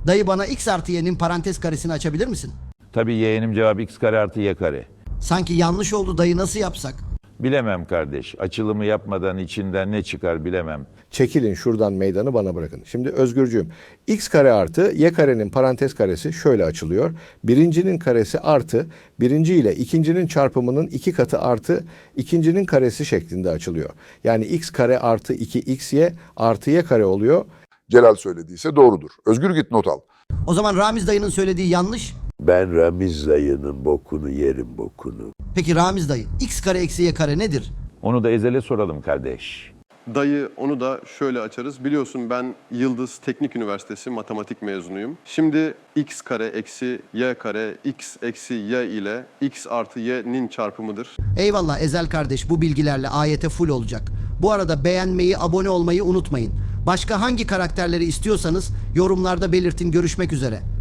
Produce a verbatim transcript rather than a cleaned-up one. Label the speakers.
Speaker 1: Dayı bana x artı y'nin parantez karesini açabilir misin?
Speaker 2: Tabii yeğenim, cevap x kare artı y kare.
Speaker 1: Sanki yanlış oldu dayı, nasıl yapsak?
Speaker 2: Bilemem kardeş. Açılımı yapmadan içinden ne çıkar bilemem.
Speaker 3: Çekilin şuradan, meydanı bana bırakın. Şimdi Özgürcüğüm, x kare artı y karenin parantez karesi şöyle açılıyor. Birincinin karesi artı birinci ile ikincinin çarpımının iki katı artı ikincinin karesi şeklinde açılıyor. Yani x kare artı iki xy artı y kare oluyor.
Speaker 4: Celal söylediyse doğrudur. Özgür, git not al.
Speaker 1: O zaman Ramiz dayının söylediği yanlış.
Speaker 5: Ben Ramiz dayının bokunu yerim bokunu.
Speaker 1: Peki Ramiz dayı, x kare eksi y kare nedir?
Speaker 2: Onu da Ezel'e soralım kardeş.
Speaker 6: Dayı, onu da şöyle açarız. Biliyorsun ben Yıldız Teknik Üniversitesi matematik mezunuyum. Şimdi x kare eksi y kare x eksi y ile x artı y'nin çarpımıdır.
Speaker 1: Eyvallah Ezel kardeş, bu bilgilerle A Y T full olacak. Bu arada beğenmeyi, abone olmayı unutmayın. Başka hangi karakterleri istiyorsanız yorumlarda belirtin. Görüşmek üzere.